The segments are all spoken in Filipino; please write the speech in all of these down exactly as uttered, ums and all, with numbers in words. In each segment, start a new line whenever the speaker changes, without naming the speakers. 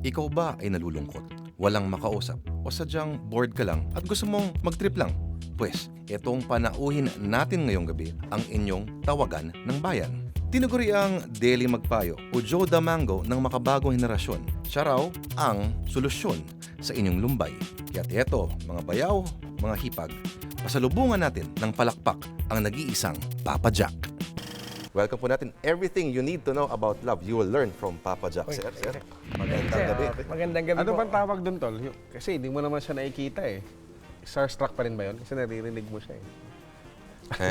Ikaw ba ay nalulungkot, walang makausap, o sadyang bored ka lang at gusto mong mag-trip lang? Pwes, itong panauhin natin ngayong gabi ang inyong tawagan ng bayan. Tinuguri ang Daily Magpayo o Joe Damango ng makabagong henerasyon. Siya raw ang solusyon sa inyong lumbay. Kaya't eto, mga bayaw, mga hipag, pasalubungan natin ng palakpak ang nag-iisang Papa Jack. Welcome po natin. Everything you need to know about love, you will learn from Papa Jack. Sir, sir, magandang gabi.
Magandang gabi
Ano
po.
bang tawag doon, Tol? Yung- Kasi hindi mo naman siya nakikita eh. Starstruck pa rin ba yun? Kasi naririnig mo siya eh.
Eh?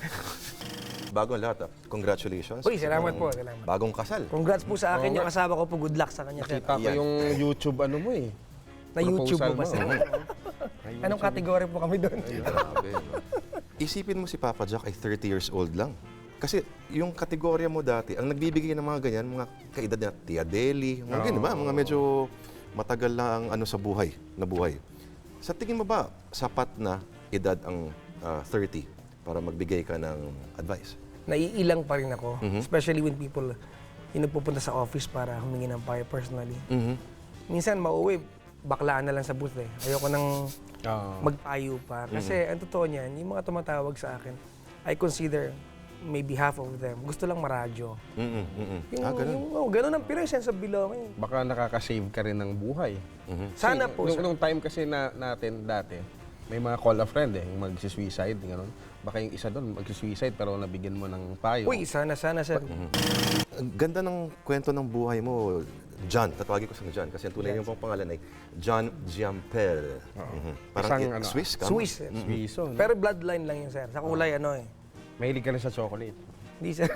Bagong lahat, ah. Congratulations.
Uy, salamat po. Salamat.
Bagong kasal.
Congrats po sa akin yung kasama ko po. Good luck sa kanya, sir.
Kita ko
Yan.
yung YouTube ano mo eh.
Na YouTube
Proposal
po ba, sir?
mo.
Anong kategory po kami doon?
Grabe, no? Isipin mo si Papa Jack ay thirty years old lang. Kasi yung kategorya mo dati, ang nagbibigay ng mga ganyan, mga kaedad na Tia Deli, mga ganyan ba? Mga medyo matagal na ang ano sa buhay, na buhay. Sa tingin mo ba, sapat na edad ang ah, thirty para magbigay ka ng advice?
Naiilang pa rin ako.
Mhm.
Especially when people yung nagpupunta sa office para humingi ng payo personally.
Mhm.
Minsan, mauwi, baklaan na lang sa booth eh. Ayoko nang
Oo.
magpayo pa. Kasi ang totoo niyan, yung mga tumatawag sa akin, I consider maybe half of them. Gusto lang maradyo.
Mhm. Mhm.
Yung,
Ah, ganun.
yung, oh, ganun ang pure sense of belonging.
Baka nakaka-save ka rin ng buhay.
Mhm.
Sana
Kasi
po.
Nung,
sir.
nung time kasi na, natin dati, may mga call a friend eh, yung mag-suicide, gano'n. Baka yung isa doon mag-suicide pero nabigyan mo ng payo.
Uy, sana, sana, sir.
Ang ganda ng kwento ng buhay mo, John. Tatawagin ko sa John kasi ang tunay niyang pang pangalan ay John Giampel. Mhm. Parang
Isang
i-
ano,
Swiss ka?
Swiss. eh.
Suiso. no?
Pero bloodline lang yun, sir. Sa kulay, ano eh.
Mahilig ka rin sa chocolate.
Hindi, sir.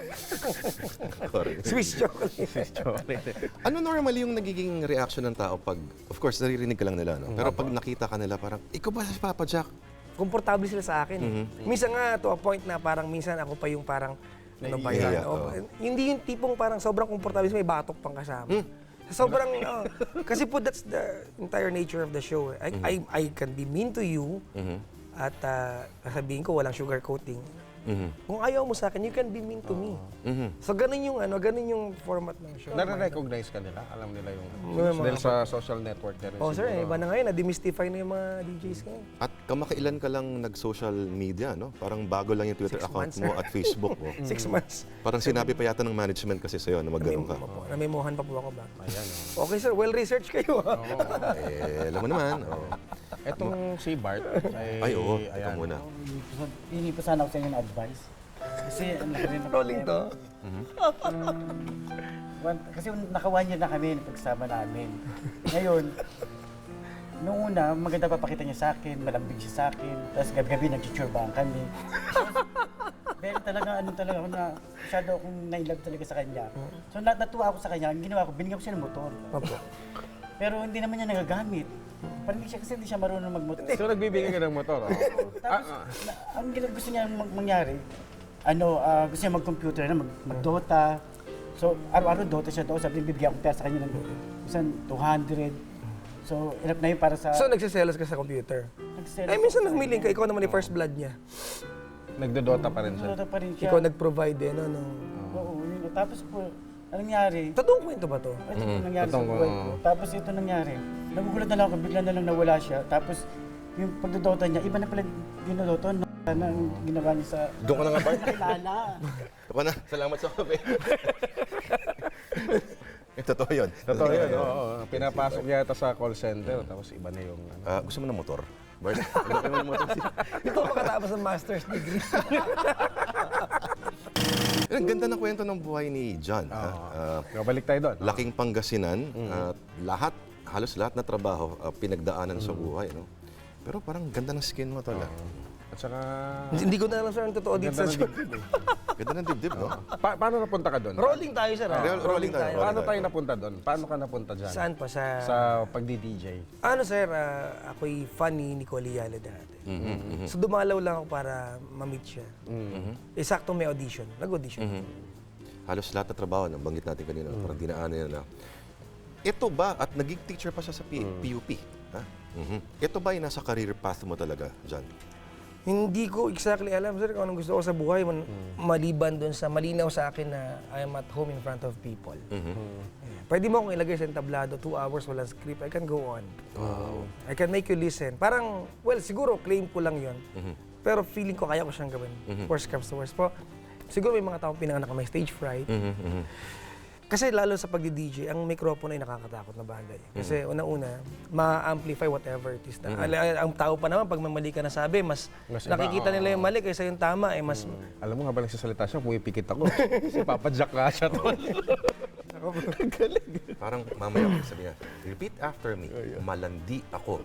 Correct.
Swiss chocolate.
chocolate.
Ano normally yung nagiging reaction ng tao pag, of course, naririnig ka lang nila, no? Pero pag nakita ka nila, parang, ikaw ba si Papa Jack?
Komportable sila sa akin. eh.
Mhm.
Minsan nga, to a point na parang minsan ako pa yung parang, ano ba
Naiiyak,
yan? O,
oo.
Hindi yung tipong parang sobrang komportable, may batok pang kasama.
Hmm.
Sobrang, oh, kasi po that's the entire nature of the show. eh. I,
Mhm.
I, I can be mean to you
Mhm.
at uh, sasabihin ko walang sugar coating.
Mhm.
Kung ayaw mo sa akin, you can be mean to me.
Mhm.
So ganun yung ano, ganun yung format ng show.
Nare-recognize ka nila? Alam nila yung...
Mga-
Dahil sa social network na rin
Oh, sir,
siguro.
iba na ngayon, na-demystify na yung mga D Js ngayon.
At kamakailan ka lang nag-social media, no? Parang bago lang yung Twitter
Six
account
months,
mo
sir.
at Facebook mo.
Six months.
Parang sinabi pa yata ng management kasi sa'yo na magganong ka.
Opo, namimuhan pa po ako ba?
Ayan, oh.
Okay sir, well-researched kayo. ah.
Eh, alam mo naman. Oh.
Etong si Bart ay...
Ay, oo. Ikaw
ayan.
muna.
Hingi pa sana ako sa inyo ng advice. Kasi ang laki rin ng
Rolling to.
One- kasi naka one year na kami pagsama namin. Ngayon, nung una, maganda papakita niya sa akin, malambing siya sa akin, tapos gabi-gabi nagchichurbahan kami. Pero talaga, ano talaga ako na, masyado akong nailove talaga sa kanya. So nat natuwa ako sa kanya, ang ginawa ko, binigyan ko siya ng motor.
Opo.
Pero hindi naman niya nagagamit. Parang hindi siya, kasi hindi siya marunong magmotor.
So nagbibigay ka ng motor, oh.
Tapos, na, ang gina- gusto niya mag- mangyari, ano, ah, gusto niya mag-computer na, mag- mag-Dota. So, araw-araw Dota siya doon. Sabi niya, bibigyan ko pera sa kanya ng isang two hundred. So, enough na yun para sa...
So nagsiselos ka sa computer?
nag-sell
Ay,
ako
minsan
sa
nagmiling ka,
kanya.
ikaw naman yung first blood niya.
Nagdodota pa rin siya.
Dota pa rin siya.
Ikaw nag-provide din, ano.
Oo, yun. Tapos po, anong nangyari?
Totoong kwento ba to?
Ito po nangyari sa
Totoong,
buhay
oo.
ko. Tapos ito nangyari. Nagugulat na lang ako, bigla na lang nawala siya. Tapos, yung pagdodota niya, iba na pala dinodota. No, na ang ginawa niya sa...
Doon ka na nga, Bart.
Nakilala.
Ako na. Salamat sa kape. Eh, totoo yun.
Totoo yun, oo. oo. Pinapasok yata sa call center, tapos iba na yung... Ano.
Ah, gusto mo ng motor? Bart, gusto mo ng motor?
Ikaw makatapos ng master's degree.
Eh, Ang ganda ng kwento ng buhay ni John. ha? Ah,
Balik tayo doon.
laking Pangasinan, at lahat, halos lahat na trabaho, ah, pinagdaanan sa buhay, no? Pero parang ganda ng skin mo, tol. ah.
At saka...
Hindi ko na alam sir ang totoo dito
Ganda
sa
ng
show.
dibdib eh.
Ganda ng dibdib, no?
Pa- paano napunta ka doon?
Rolling tayo sir. ah.
Roll- rolling tayo, rolling.
Paano tayo napunta doon? Paano ka napunta dyan?
Saan pa? Sa...
Sa pagdi-D J.
Ano sir, ah, ako'y fan ni Nicole Yala dati.
Mhm, mhm.
So dumalaw lang ako para ma-meet siya.
Mm.
Eh, sakto may audition. Nag-audition.
Halos lahat na trabaho, nabanggit natin kanina, parang dinaanan niya na. Ito ba, at naging teacher pa siya sa P- PUP, ha? Mhm. Ito ba ay nasa career path mo talaga, John?
Hindi ko exactly alam, sir, kung anong gusto ko sa buhay. Man, Maliban doon sa malinaw sa akin na I am at home in front of people.
Mhm.
Yeah. Pwede mo akong ilagay sa entablado, two hours, walang script, I can go on.
Wow.
I can make you listen. Parang, well, siguro, claim ko lang yon.
Mhm.
Pero feeling ko kaya ko siyang gawin. Worst comes to worst po. Siguro may mga taong pinanganak na may stage fright.
Mhm, mhm.
Kasi lalo sa pagdi-D J, ang microphone ay nakakatakot na bagay. Kasi una-una, ma-amplify whatever it is. Na, Al- ang tao pa naman, pag may mali ka na sabi, mas,
Mas iba,
nakikita nila
oo.
yung mali kaysa yung tama. Eh, mas,
Alam mo, habang nagsasalita siya, pumipikit ako. Si Papa Jack nga siya to.
Parang mamaya sabi niya, repeat after me, malandi ako.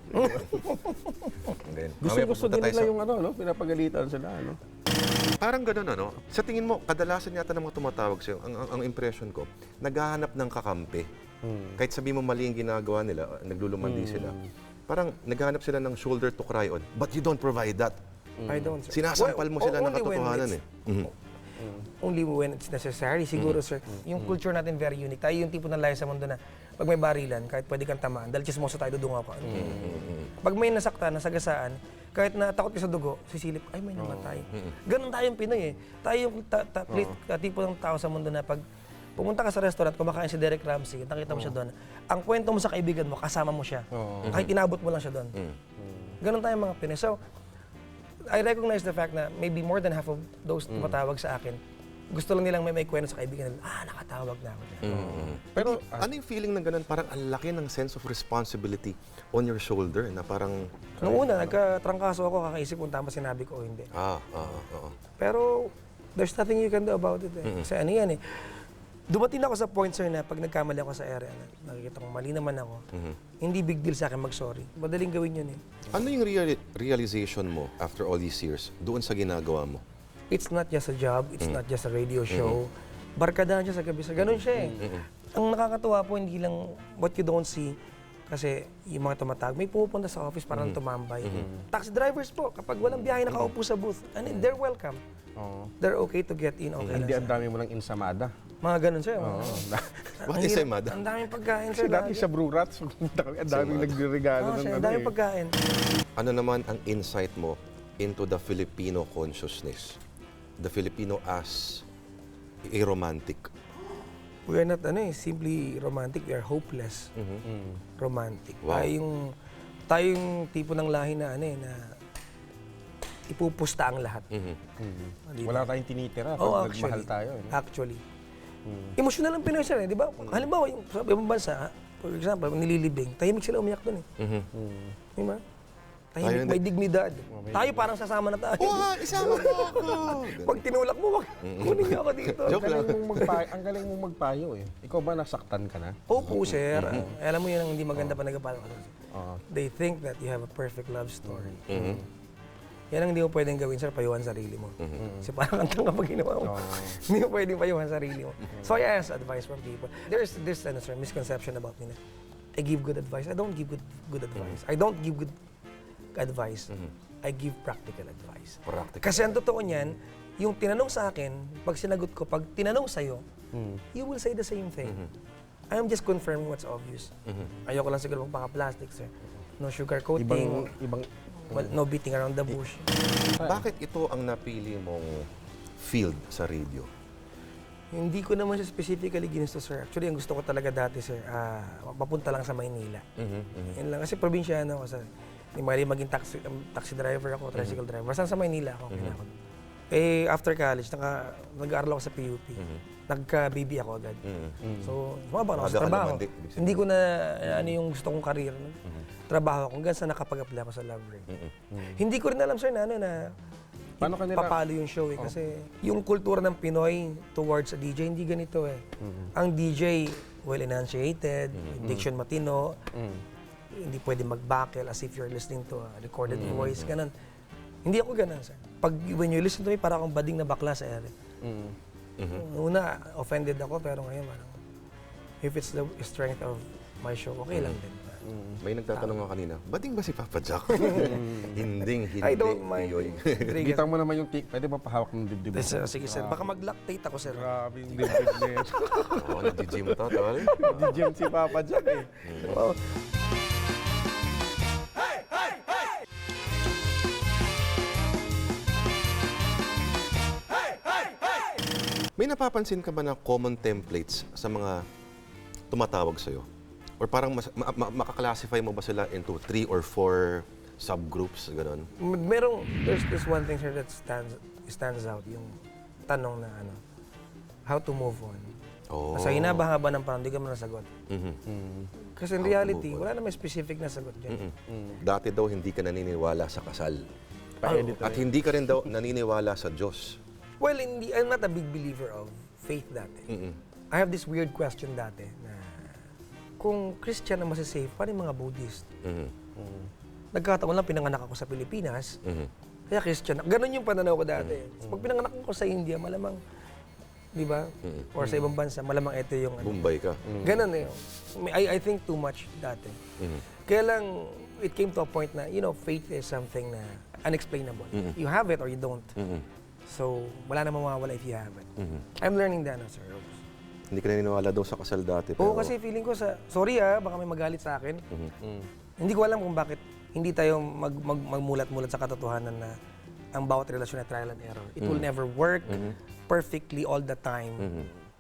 And then, mamaya
Gusto-gusto
pupunta
din
tayo
nila
sa-
yung ano, no? Pinapagalitan sila, ano?
Parang ganun, ano? Sa tingin mo, kadalasan yata ng mga tumatawag sa'yo, ang, ang, ang impression ko, naghahanap ng kakampi. Kahit sabi mo mali yung ginagawa nila, naglulumandi sila, parang naghahanap sila ng shoulder to cry on. But you don't provide that.
I don't, sir.
Sinasampal mo
Well,
sila ng
only when
katotohanan
it's-
eh. Mhm.
Only when it's necessary, siguro, sir. Yung culture natin very unique. Tayo yung tipo ng layo sa mundo na pag may barilan, kahit pwede kang tamaan, dahil chismoso tayo, dudunga pa. Pag may nasaktan, nasagasaan, kahit na takot ka sa dugo, sisilip, ay may namatay. Ganun tayong Pinoy eh. Tayo yung ta- ta- pli- ta- tipo ng tao sa mundo na pag pumunta ka sa restaurant, kumakain si Derek Ramsey, nakita mo siya doon, ang kwento mo sa kaibigan mo, kasama mo siya. Kahit inabot mo lang siya doon. Ganun tayong mga Pinoy. So, I recognize the fact na maybe more than half of those tumatawag sa akin, gusto lang nilang may may kwento sa kaibigan nila, ah, nakatawag na ako.
Pero ano yung feeling ng ganun? Parang ang laki ng sense of responsibility on your shoulder na parang,
Noong una, nagkatrangkaso ako, kakaisip kung tama sinabi ko o hindi.
ah, ah, ah, ah.
Pero, there's nothing you can do about it eh. Kasi ano yan eh. Dumating ako sa point, sir, na pag nagkamali ako sa area, na nakikita ko mali naman ako, hindi big deal sa akin mag-sorry. Madaling gawin yun eh.
Ano yung reali- realization mo after all these years doon sa ginagawa mo?
It's not just a job, it's not just a radio show. Barkadahan siya sa gabi. Sa ganun siya eh. Ang nakakatuwa po, hindi lang what you don't see, kasi yung mga tumatawag, may pumupunta sa office parang tumambay. Taxi drivers po, kapag walang biyahe nakaupo sa booth, and they're welcome.
Oo.
They're okay to get in, okay
Hindi
lang
ang
sir.
dami mo ng insamada.
Mga ganun sir. mga-
What
Ang
is
hirap-
Emada?
Ang daming pagkain
Kasi
sir.
dati
lagi.
sa Brew Rats, pumunta kami, ang daming nagregalo
Oo,
ng
sir,
ano
ang daming
eh.
pagkain.
Ano naman ang insight mo into the Filipino consciousness? The Filipino as a romantic.
We are not ano eh, simply romantic, we are hopeless romantic.
Wow.
Tayo yung, tayo yung tipo ng lahi na ano eh, na ipupusta ang lahat.
Mhm.
Di ba?
Wala tayong tinitira
Oo,
pag nagmahal
actually.
tayo. Eh.
Actually. Emotional ang Pinoy sir, eh, di ba? Halimbawa, yung sa ibang bansa, for example, nililibing, tahimik sila umiyak doon eh.
Mhm.
Di ba?
Tayo
Tahimik,
hindi.
may dignidad. Tayo parang sasama na tayo.
Wah, isama mo ako!
Pag tinulak mo, wag, kunin niyo ako dito.
Ang
Joke lang.
galing mong magpayo, ang galing mong magpayo eh. Ikaw ba nasaktan ka na?
Opo, sir. Ah, alam mo yun ang hindi maganda pa nagapalo ko.
Oo.
They think that you have a perfect love story.
Mhm.
Yan ang hindi mo pwedeng gawin, sir, payuhan sarili mo. Kasi parang ang tanga pag ginawa mo. Hindi mo pwedeng payuhan sarili mo. So I ask advice from people. There's this ano, sir, misconception about me na I give good advice. I don't give good good advice. I don't give good advice. I give practical advice.
Practical.
Kasi ang totoo niyan, yung tinanong sa akin, pag sinagot ko, pag tinanong sa'yo, you will say the same thing. I am just confirming what's obvious. Ayoko lang siguro magpaka-plastic, sir. No sugar
Ibang,
coating,
ibang,
well, no beating around the bush.
Bakit ito ang napili mong field sa radio?
Hindi ko naman siya specifically ginusto, sir. Actually, ang gusto ko talaga dati, sir, ah, papunta lang sa Maynila. Yan lang. Kasi probinsyano ako, sir. Hindi mali maging taxi, um, taxi driver ako, tricycle driver. Basta sa Maynila ako. kinakot. Eh, after college, naka, nag-aaral ako sa P U P. Nagka-baby ako agad. So, sumabak na ako
Aga
sa
ka
trabaho.
naman, di- ibig sabihin.
Hindi ko na ano yung gusto kong career. Trabaho ako hanggang sa nakapag-apply ako sa Love Ring. Hindi ko rin alam, sir, na ano na
Paano ka nila-
papalo yung show eh. Kasi yung kultura ng Pinoy towards a D J, hindi ganito eh. Ang D J, well enunciated, diction matino, hindi pwede mag-backell as if you're listening to a recorded voice, ganun. Hindi ako ganun, sir. Pag when you listen to me, parang akong bading na bakla sa ere. Una, offended ako, pero ngayon, parang, if it's the strength of my show, okay lang din.
May nagtatanong nga kanina, bading ba si Papa Jack? Hinding, hindi.
I don't mind.
Yoy.
Rodriguez.
Kita mo naman yung, ti- pwede ba pahawak ng dibdib mo?
Sir, sige, sir. Baka mag-lactate ako, sir.
Grabe yung dibdib net.
Oo, nag-gym to, tol.
Di-gym si Papa Jack eh.
Wow.
May napapansin ka ba na common templates sa mga tumatawag sa'yo? Or parang mas, ma- ma- makaklasify mo ba sila into three or four subgroups, gano'n?
M- Merong, there's this one thing, sir, that stands stands out, yung tanong na ano, how to move on.
Oh.
Sa hinaba-haba ng parang, hindi ka mo nasagot.
Mhm.
Kasi in
How to
reality,
move on.
wala na may specific na sagot dyan.
Mm. Dati daw hindi ka naniniwala sa kasal.
Pa-edit
At hindi ka rin daw naniniwala sa Diyos.
Well, hindi, I'm not a big believer of faith dati.
Mm-mm.
I have this weird question dati na kung Christian ang masasave, paano yung mga Buddhist?
Mhm.
Nagkataon lang pinanganak ako sa Pilipinas,
Mhm.
kaya Christian. Ganon yung pananaw ko dati. Pag pinanganak ako sa India, malamang, di ba? Or sa ibang bansa, malamang ito yung ano.
Bombay ka.
Ganon eh. I, I think too much dati.
Mhm.
Kaya lang, it came to a point na, you know, faith is something na unexplainable. You have it or you don't.
Mhm.
So, wala na mawawala if you have it.
Mhm.
I'm learning that now, Sir Robes.
Hindi ka naniniwala daw sa kasal dati.
Oo,
pero-
kasi feeling ko sa, sorry ah, baka may magalit sa akin.
Mhm.
Hindi ko alam kung bakit hindi tayo mag, mag, magmulat-mulat sa katotohanan na ang bawat relasyon ay trial and error. It will never work perfectly all the time.
Mhm.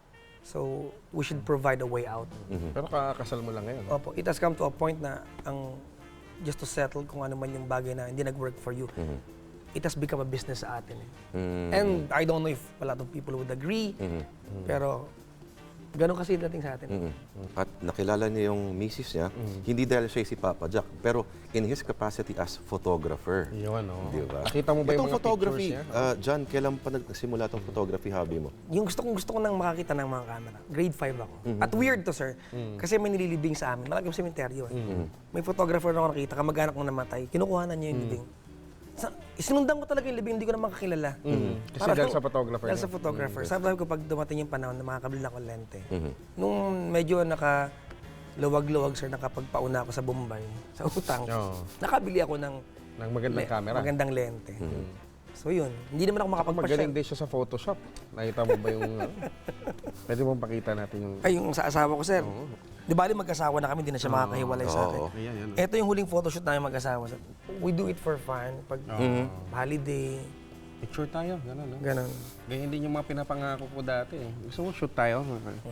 So, we should provide a way out.
Pero kakasal mo lang ngayon.
Opo, it has come to a point na ang just to settle kung ano man yung bagay na hindi nag-work for you, it has become a business sa atin. Eh.
Mhm.
And I don't know if a lot of people would agree,
Mhm.
pero ganun kasi dating sa atin.
Mhm. At nakilala niya yung misis niya, hindi dahil siya si Papa Jack, pero in his capacity as photographer.
Yun, oh.
Di ba?
Nakita mo ba yung
Itong
mga
photography,
pictures niya?
ah, John, kailan pa nagsimula itong photography hobby mo?
Yung gusto kong gusto ko nang makakita ng mga camera. Grade five ako. At weird to, sir. Kasi may nililibing sa amin. Malaking sementeryo eh. May photographer na ako nakita, kamag-anak kong namatay. Kinukuhanan niya yung libing. Sa, isinundan ko talaga yung libing, hindi ko na makakilala.
Kasi
Parang-
dahil sa photographer
Dahil
niya.
sa photographer. Sabi ko pag dumating yung panahon na makakabili na ako ng lente.
Mhm.
Nung medyo naka luwag-luwag, sir, nakapagpauna ako sa Bombay, sa utang,
Oo.
nakabili ako ng
Ng magandang
le-
camera.
magandang lente. So yun, hindi naman ako
Magaling
makapagpasyal.
din siya sa Photoshop. Nakita mo ba yung... ano? Pwede mong pakita natin yung...
Ay, yung sa asawa ko, sir. Di ba, mag-asawa na kami, hindi na siya makakahiwalay sa akin.
Oo.
Ayan, yan.
Ito yung huling photoshoot namin mag-asawa. sir. We do it for fun. Pag holiday,
Picture tayo, gano'n, no?
ganun.
Ganyan din yung mga pinapangako ko dati. eh. Gusto mo shoot tayo?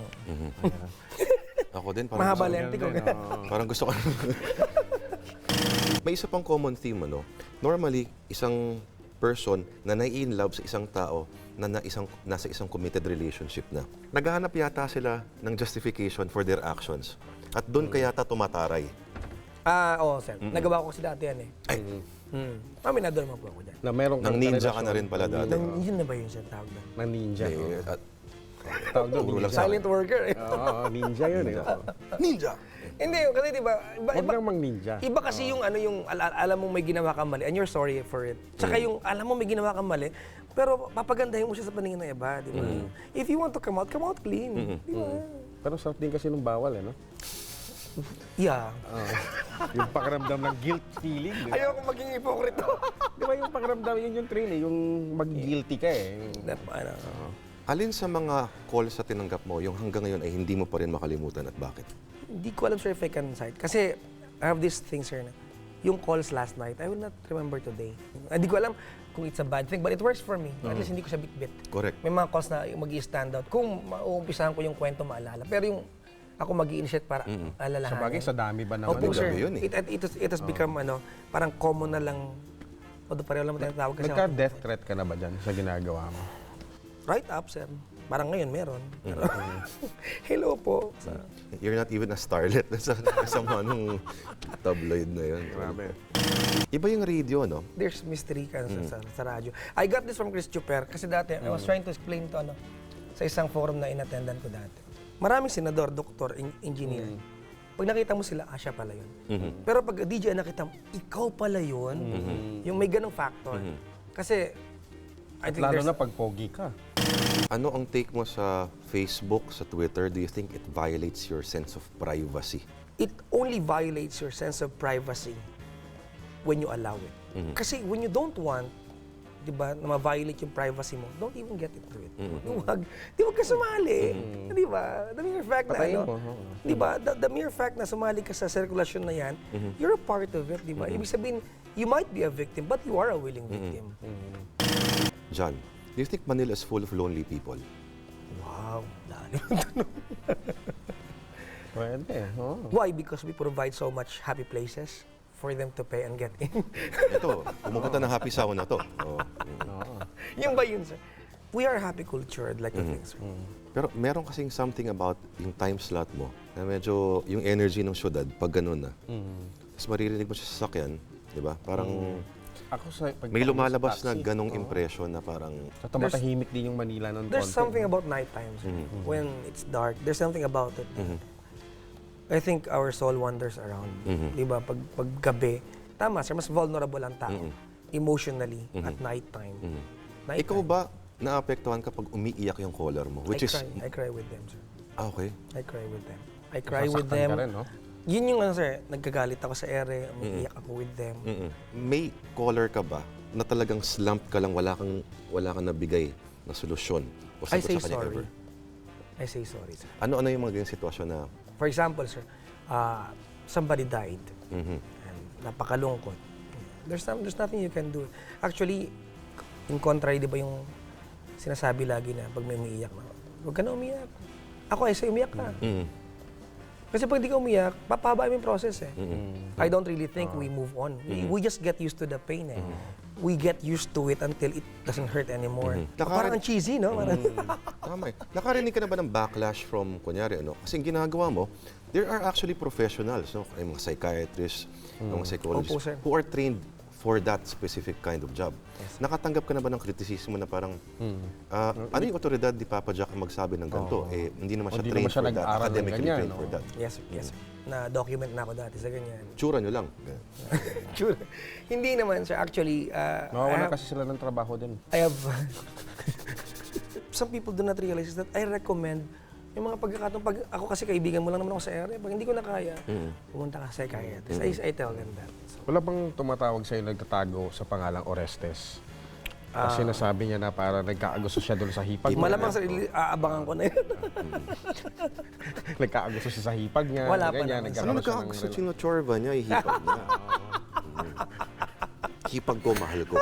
Ako din, parang
Mahaba
gusto,
lente ko.
parang gusto ko. May isa pang common theme, ano? Normally, isang person na nai-in love sa isang tao na, na isang, nasa isang committed relationship na. Naghahanap yata sila ng justification for their actions. At doon kaya yata tumataray.
Ah, oo, sir. Nagawa ko kasi dati yan eh.
Ay,
Hmm. Aminado naman po ako dyan.
Na meron
nang
kang
ninja
karelasyon
ka na rin pala dati.
Nang, yun na ba yun, sir, tawag doon?
Ng ninja.
Eh,
oo.
at,
Tawag doon,
Puro lang
ninja.
sa-
Silent worker eh.
Oo, oo, ninja yun eh. Oo.
ninja!
Hindi, kasi di ba, iba,
Huwag
iba,
lang mang ninja.
iba kasi yung ano yung al- alam mong may ginawa kang mali and you're sorry for it. Tsaka yung alam mo may ginawa kang mali, pero papagandahin mo siya sa paningin ng iba, di ba? If you want to come out, come out clean. Di ba?
Pero sarap din kasi nung bawal eh, no?
Yeah.
Oo. Yung pakiramdam ng guilt feeling. Di ba?
Ayoko maging hipokrito.
Di ba yung pakiramdam, yun yung thrill eh, yung mag-guilty ka eh. Yung-
That, ano,
Alin sa mga calls na tinanggap mo, yung hanggang ngayon ay hindi mo pa rin makalimutan at bakit?
hindi ko alam, sir, if I can cite. Kasi I have this thing, sir, na yung calls last night, I will not remember today. Hindi ko alam kung it's a bad thing, but it works for me. At least hindi ko siya bit-bit.
Correct.
May mga calls na mag-i-stand out. Kung mauumpisahan ko yung kwento, maalala. Pero yung ako mag-i-initiate para alalahanin.
Sa bagay, sa dami ba naman?
Opo,
Ang
sir.
gabi yun eh.
It, it, it, has, it has become, ano, parang common na lang. Although pareho lang mo tinatawag kasi.
Nagka-death threat ka na ba dyan sa ginagawa mo?
Right up, sir. Parang ngayon meron. Pero, hello po. Sa,
You're not even a starlet sa kasama nung tabloid na yun.
Grabe.
Iba yung radio, no?
there's mystery ka sa, sa, sa radyo. I got this from Chris Chuper kasi dati I was trying to explain to ano sa isang forum na inattendan ko dati. Maraming senador, doktor, en- engineer. Pag nakita mo sila, ah, siya pala yun. Pero pag D J nakita mo, ikaw pala yun. Yung may ganong factor. Kasi, I think
Lalo
there's...
na pag pogi ka.
Ano ang take mo sa Facebook, sa Twitter? Do you think it violates your sense of privacy?
it only violates your sense of privacy when you allow it. Kasi when you don't want, di ba, na ma-violate yung privacy mo, don't even get into it. Huwag, di wag ka sumali. Di ba? The mere fact na,
Patayin
ano,
mo, oo.
di ba, the, the mere fact na sumali ka sa sirkulasyon na yan, you're a part of it, di ba? Ibig sabihin, you might be a victim, but you are a willing victim.
John, do you think Manila is full of lonely people?
Wow, lalim.
Pwede, oo.
Why? Because we provide so much happy places for them to pay and get in.
Ito, pumupunta ng happy sauna to. Oh.
Oo.
Yun ba yun, sir? We are happy culture, I'd like to think, sir.
Pero meron kasing something about yung time slot mo na medyo yung energy ng syudad pag ganun na. Tapos maririnig mo siya sa sasakyan, di ba? Parang
Ako sa pag
may lumalabas
sa
na
taxi,
ganong
oo.
impression na parang
Sa tumatahimik din yung Manila ng
There's
konti.
something about nighttime, sir. When it's dark, there's something about it. I think our soul wanders around. Di ba? Pag, pag gabi, tama, sir, mas vulnerable ang tao emotionally at nighttime. Nighttime.
ikaw ba naapektuhan kapag umiiyak yung caller mo? Which
I
is,
cry. I cry with them, sir.
ah, okay.
I cry with them. I cry with
Nasasaktan
them.
ka rin, no?
Yun yung ano, sir, nagkagalit ako sa ere, umiiyak ako with them.
Mm-mm. May caller ka ba na talagang slump ka lang, wala kang, wala kang nabigay na solusyon? O
I
sagot
say
sa kanya
sorry.
ever?
I say sorry, sir.
Ano-ano yung mga ganyan sitwasyon na,
For example, sir, uh, somebody died.
mhm,
And napakalungkot. There's, some, there's nothing you can do. Actually, in contrary, di ba yung sinasabi lagi na pag may umiiyak na, huwag ka na umiyak. Ako, I say umiyak ka.
mhm,
Kasi pag di ka umiyak, papahaba yung process eh.
mhm.
I don't really think we move on. We, we just get used to the pain eh. We get used to it until it doesn't hurt anymore.
Nakarin-
Parang ang cheesy, no? Parang,
Tama eh. Nakarinig ka na ba ng backlash from, kunyari, ano? Kasi yung ginagawa mo, there are actually professionals, no? Ay, mga psychiatrists, mga psychologists,
Opo, sir.
who are trained for that specific kind of job. Nakatanggap ka na ba ng kritisismo na parang, ah, ano yung otoridad ni Papa Jack ang magsabi ng ganito? Eh, hindi naman
O,
siya
di
trained
naman siya
for that,
nag-aral ng
academically
ganyan,
trained
no?
for that.
yes, yes. Na-document na ako dati sa ganyan.
Tsura nyo lang.
Sure. Hindi naman, sir. Actually, uh, I,
Mawawala
have,
kasi sila ng trabaho din.
I have... Some people do not realize that I recommend yung mga pagkakataon, pag ako kasi kaibigan mo lang naman ako sa area, pag hindi ko na kaya, pumunta ka sa psychiatrist. I, I tell them that. So,
Wala bang tumatawag sa'yo nagtatago sa pangalang Orestes?
Ah.
Kasi sinasabi niya na para nagkaagusto siya doon sa hipag.
malamang sa aabangan ko na yun.
Nagkaagusto siya sa hipag niya.
Wala pa
ganyan,
naman.
Ano
nagkakaroon siya ng
nagkakagusto
rela-
yung chorba niya, ihipag niya. Mm. Hipag ko, mahal ko.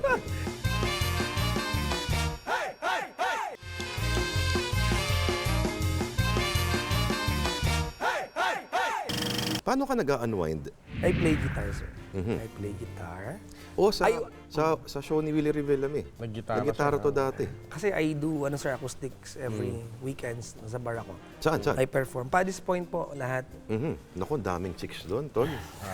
Paano ka nag-unwind?
I play guitar, sir. I play guitar.
O sa,
Ay-
sa sa show ni Willie Rivera eh.
Naggitara
Naggitara
siya.
to dati.
Kasi I do, ano sir, acoustics every weekends sa bar ako.
Saan, saan?
I perform. Paddy's Point po, lahat.
Mhm. Naku, daming chicks doon, tol.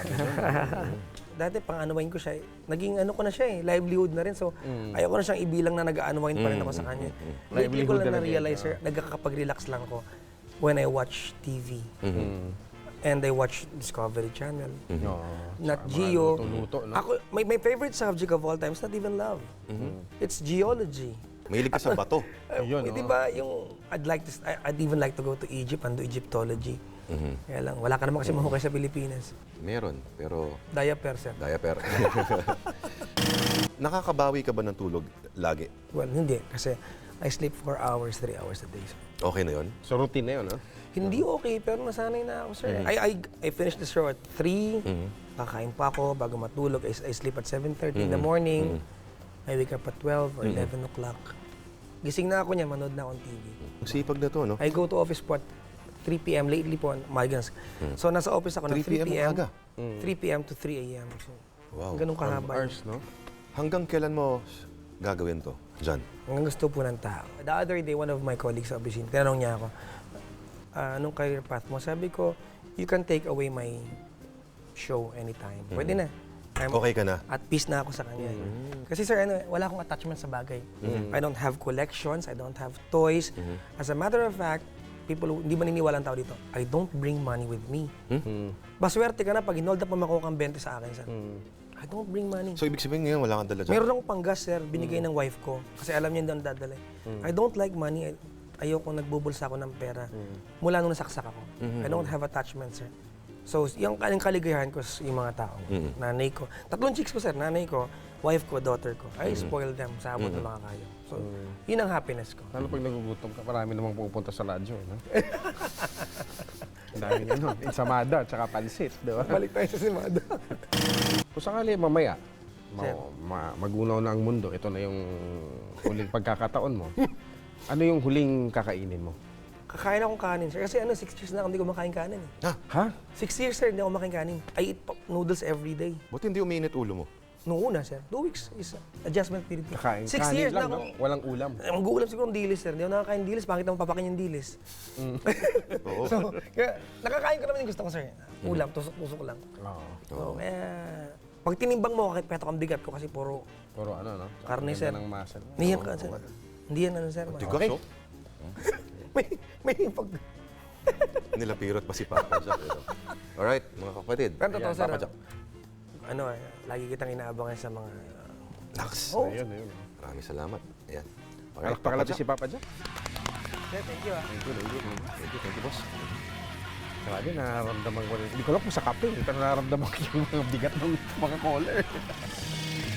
Dati pang unwind ko siya, eh. naging ano ko na siya eh, livelihood na rin. So, ayoko na siyang ibilang na nag-unwind pa rin ako sa kanya. Lately ko
Livelihood
lang
talaga
na-realize, sir, nagkakapag-relax lang ako when I watch T V. And I watch Discovery Channel.
Oo.
Not
Sa mga
Geo.
luto-luto, no?
Ako, my, my favorite subject of all time is not even love. It's geology.
Mahilig ka sa bato.
Ayun,
Eh, di
no?
ba yung I'd like to I- I'd even like to go to Egypt and do Egyptology. Kaya lang wala ka naman kasi mahukay sa Pilipinas.
Meron, pero
Diaper, sir.
diaper. Nakakabawi ka ba ng tulog lagi?
Well, hindi kasi I sleep four hours, three hours a day. sir.
Okay na yon?
So routine na yun, no?
Hindi okay, pero nasanay na ako, sir. I, I I finished the show at three. Kakain pa ako bago matulog. I, I sleep at seven thirty in the morning. I wake up at twelve or eleven o'clock. Gising na ako niya, manood na akong T V.
Ang sipag na to, no?
I go to office po at three p m Lately po, migrants. So, nasa office ako ng
three
three
p m
p m
aga?
three p m to three a m So,
Wow.
ganun
twelve
kahaba.
hours, no?
Hanggang kailan mo gagawin to, Jan?
Ang gusto po ng tao. The other day, one of my colleagues sa opisina, tinanong niya ako, "Ah, anong career path mo?" Sabi ko, you can take away my show anytime. Pwede na. I'm
Okay ka na?
at peace na ako sa kanya. Kasi sir, ano, wala akong attachment sa bagay. I don't have collections, I don't have toys. As a matter of fact, people who, hindi maniniwala ang tao dito, I don't bring money with me. Baswerte ka na pag hinold up mo makuha kang twenty sa akin, sir. I don't bring money.
So, ibig sabihin ngayon, wala kang dala dyan?
Meron akong panggas, sir, binigay ng wife ko. Kasi alam niya doon dadalhin. I don't like money. I- Ayoko nagbubulsa ako ng pera. Mula nung nasaksak ako. I don't have attachment, sir. So, yung, yung kaligayahan ko sa yung mga tao. Nanay ko. Tatlong chicks ko, sir. Nanay ko, wife ko, daughter ko. I spoil them sa abot ng mga kaya. So, yun ang happiness ko.
Lalo pag nagugutom ka, marami namang pupunta sa radyo, no? Ang dami na nun. Ensamada, tsaka pansit, di ba?
Balik tayo sa simado.
Kung sakali mamaya, ma-
Sir.
ma- magunaw na ang mundo, ito na yung huling pagkakataon mo. Ano yung huling kakainin mo?
Kakain akong kanin, sir. Kasi ano, six years na ako hindi kumakain kanin. Eh.
Ha?
Six years, sir, hindi ako kumakain kanin. I eat pa- noodles every day.
Buti hindi uminit ulo mo.
Noong una, sir. Two weeks is adjustment period.
Kakain.
Six
kanin
years
lang,
na
no?
ako.
Walang ulam.
Eh, Mag-uulam siguro ng dilis, sir. Hindi ako nakakain ng dilis. Bakit naman papakin yung dilis?
Oo.
So, kaya, nakakain ko naman yung gusto ko, sir. Ulam, tusok-tusok lang.
Oo.
So, kaya, pag tinimbang mo, kahit peto kang bigat ko kasi puro
Puro ano, no?
Karne,
Ganda
sir.
ng muscle.
Hindi yan ka, sir. Hindi yan ano, sir.
Tigas,
Okay.
oh.
May, may pag...
Nilapirot pa si Papa Jack. Ito. Alright, mga kapatid.
Pero totoo,
Ayan,
sir.
Papa Jack.
Ano, eh, lagi kitang inaabangan sa mga...
Naks.
Oh,
Ayun, ayun.
Maraming salamat. Ayan. Alright,
Palakpakan
Papa
natin
Jack.
si Papa Jack.
sir, thank you, ah.
Thank you, thank you. Thank you, thank you, boss.
Grabe, nararamdaman ko rin. Hindi ko alam kung sa kape, pero nararamdaman ko yung mga bigat ng mga caller.